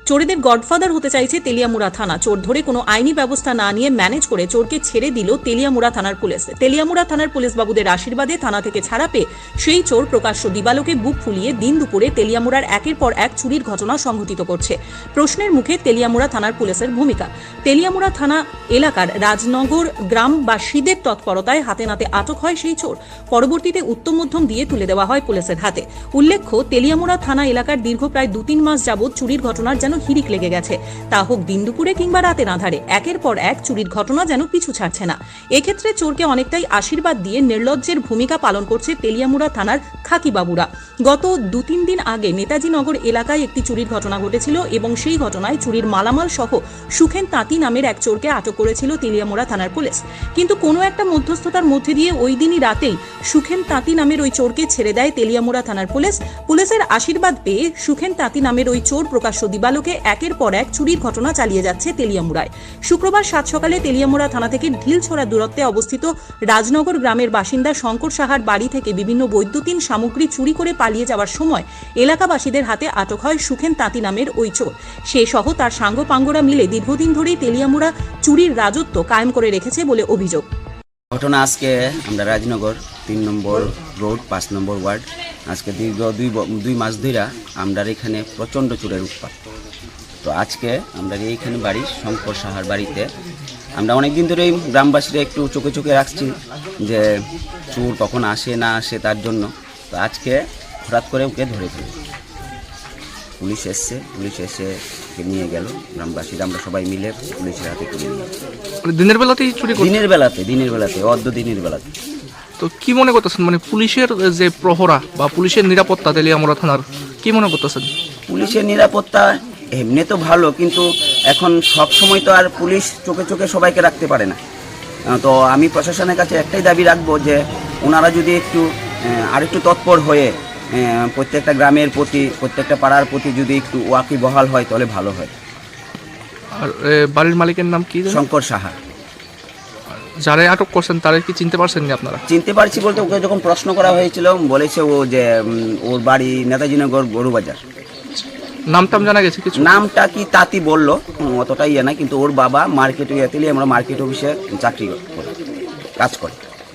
চোরেদের godfather হতে চাইছে তেলিয়ামুড়া থানা। চোর ধরে কোনো আইনি ব্যবস্থা না নিয়ে ম্যানেজ করে চোরকে ছেড়ে দিল তেলিয়ামুড়া থানার পুলিশ। তেলিয়ামুড়া থানার পুলিশ বাবুদের আশীর্বাদে থানা থেকে ছাড়া পেয়ে সেই চোর প্রকাশ্য দিবালোকে বুক ফুলিয়ে দিন দুপুরে তেলিয়ামুড়ার একের পর এক চুরির ঘটনা সংঘটিত করছে। প্রশ্নের মুখে তেলিয়ামুড়া থানার পুলিশের ভূমিকা। তেলিয়ামুড়া থানা এলাকার রাজনগর গ্রামবাসীদের তৎপরতায় হাতে নাতে আটক হয় সেই চোর। পরবর্তীতে উত্তম মধ্যম দিয়ে তুলে দেওয়া হয় পুলিশের হাতে। উল্লেখ্য, তেলিয়ামুড়া থানা এলাকার দীর্ঘ প্রায় 2-3 মাস যাবৎ চুরির ঘটনার যেন হিড়িক লেগে গেছে। তা হোক দিন দুপুরে কিংবা রাতের আঁধারে, একের পর এক চুরির ঘটনা যেন পিছু ছাড়ছে না। এক্ষেত্রে চোরকে অনেকটাই আশীর্বাদ দিয়ে নির্লজ্জের ভূমিকা পালন করছে তেলিয়ামুড়া থানার খাকি বাবুরা। গত 2-3 দিন আগে নেতাজি নগর এলাকায় একটি চুরির ঘটনা ঘটেছিল এবং সেই ঘটনায় চুরির মালামাল সহ সুখেন তাঁতি নামের এক চোরকে আটক করেছিল তেলিয়ামুড়া থানার পুলিশ। কিন্তু কোনো একটা মধ্যস্থতার মধ্যে দিয়ে ওই দিনই রাতেই সুখেন তাঁতি নামের ওই চোরকে ছেড়ে দেয় তেলিয়ামুড়া থানার পুলিশ। পুলিশের আশীর্বাদ পেয়ে সুখেন তাঁতি নামের ওই চোর প্রকাশ্য দিবালোকে একের পর এক চুরির ঘটনা চালিয়ে যাচ্ছে তেলিয়ামুড়ায়। শুক্রবার 7 সকালে তেলিয়ামুড়া থানা থেকে ঢিলছড়া দূরত্বে অবস্থিত রাজনগর গ্রামের বাসিন্দা শঙ্কর সাহার বাড়ি থেকে বিভিন্ন বৈদ্যুতিন সামগ্রী চুরি করে পালিয়ে যাওয়ার সময় এলাকাবাসীদের হাতে আটক হয় সুখেন তাঁতি নামের ওই চোর। সে সহ তার সাঙ্গপাঙ্গরা মিলে দীর্ঘদিন ধরেই তেলিয়ামুড়া চুরির রাজত্ব কায়েম করে রেখেছে বলে অভিযোগ। ঘটনা আজকে আমরা রাজনগর 3 নম্বর রোড 5 নম্বর ওয়ার্ড আজকে দীর্ঘ 2 মাস ধরে আমরা এখানে প্রচণ্ড চোরের উৎপাত। তো আজকে আমরা এইখানে বাড়ি শঙ্কর সাহার বাড়িতে আমরা অনেকদিন ধরেই গ্রামবাসীরা একটু চোখে চোখে রাখছি যে চোর কখন আসে না আসে তার জন্য। তো আজকে হঠাৎ করে ওকে ধরে ফেলি, পুলিশ এসে ওকে নিয়ে গেল। গ্রামবাসীরা আমরা সবাই মিলে পুলিশের হাতে তুলে নিয়ে দিনের বেলাতেই চুরি দিনের বেলাতে অর্ধ দিনের বেলাতে। তো কি মনে করতেছেন, মানে পুলিশের যে প্রহরা বা পুলিশের নিরাপত্তা তেলিয়ামুড়া থানার কি মনে করতেছেন? পুলিশের নিরাপত্তা এমনি তো ভালো, কিন্তু এখন সব সময় তো আর পুলিশ চোখে চোখে সবাইকে রাখতে পারে না। তো আমি প্রশাসনের কাছে একটাই দাবি রাখবো যে ওনারা যদি আরেকটু তৎপর হয়ে প্রত্যেকটা গ্রামের প্রতি প্রত্যেকটা পাড়ার প্রতি যদি একটু ওয়াকিবহাল হয় তাহলে ভালো হয়। আর বাড়ির মালিকের নাম কি? শঙ্কর সাহা। যারা আটক করছেন তারা কি চিনতে পারছেন না আপনারা? চিনতে পারছি বলতে ওকে যখন প্রশ্ন করা হয়েছিল বলেছে ও যে ওর বাড়ি নেতাজি নগর গরুবাজার। নামটাম জানা গেছে কিছু? নামটা কি তাঁতি বললো, অতটা ইয়ে না, কিন্তু ওর বাবা আমরা মার্কেট অফিসে চাকরি করে কাজ করে।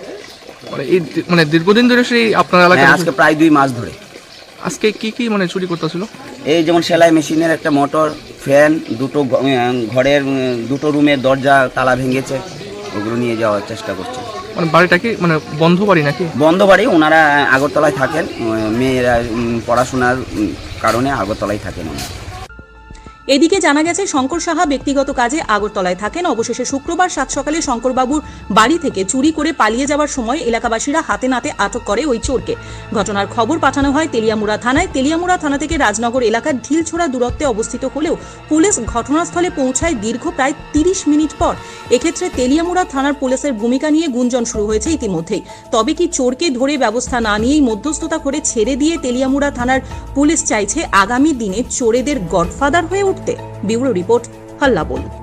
মানে দীর্ঘদিন ধরে সেই আপনার এলাকায়? আজকে প্রায় 2 মাস ধরে। আজকে কি মানে চুরি করতেছিল? এই যেমন সেলাই মেশিনের একটা মোটর, ফ্যান, দুটো ঘরের 2টো রুমের দরজা তালা ভেঙেছে, ওগুলো নিয়ে যাওয়ার চেষ্টা করছে। মানে বাড়িটা কি মানে বন্ধ বাড়ি নাকি? বন্ধ বাড়ি, ওনারা আগরতলায় থাকেন, মেয়েরা পড়াশোনার কারণে আগরতলায় থাকেন। এদিকে জানা গেছে শঙ্কর সাহা ব্যক্তিগত কাজে আগরতলায় থাকেন। অবশেষে শুক্রবার 7 সকালে শঙ্করবাবুর বাড়ি থেকে চুরি করে পালিয়ে যাওয়ার সময় এলাকাবাসীরা হাতে নাতে আটক করে ওই চোরকে। ঘটনার খবর পাঠানো হয় তেলিয়ামুড়া থানায়। তেলিয়ামুড়া থানা থেকে রাজনগর এলাকার ঢিলছড়া দূরত্বে অবস্থিত হলেও পুলিশ ঘটনাস্থলে পৌঁছায় দীর্ঘ প্রায় 30 মিনিট পর। এক্ষেত্রে তেলিয়ামুড়া থানার পুলিশের ভূমিকা নিয়ে গুঞ্জন শুরু হয়েছে ইতিমধ্যেই। তবে কি চোরকে ধরে ব্যবস্থা না নিয়েই মধ্যস্থতা করে ছেড়ে দিয়ে তেলিয়ামুড়া থানার পুলিশ চাইছে আগামী দিনে চোরেদের গডফাদার হয়ে উঠতে? ব্যুরো রিপোর্ট, হাল্লা বল।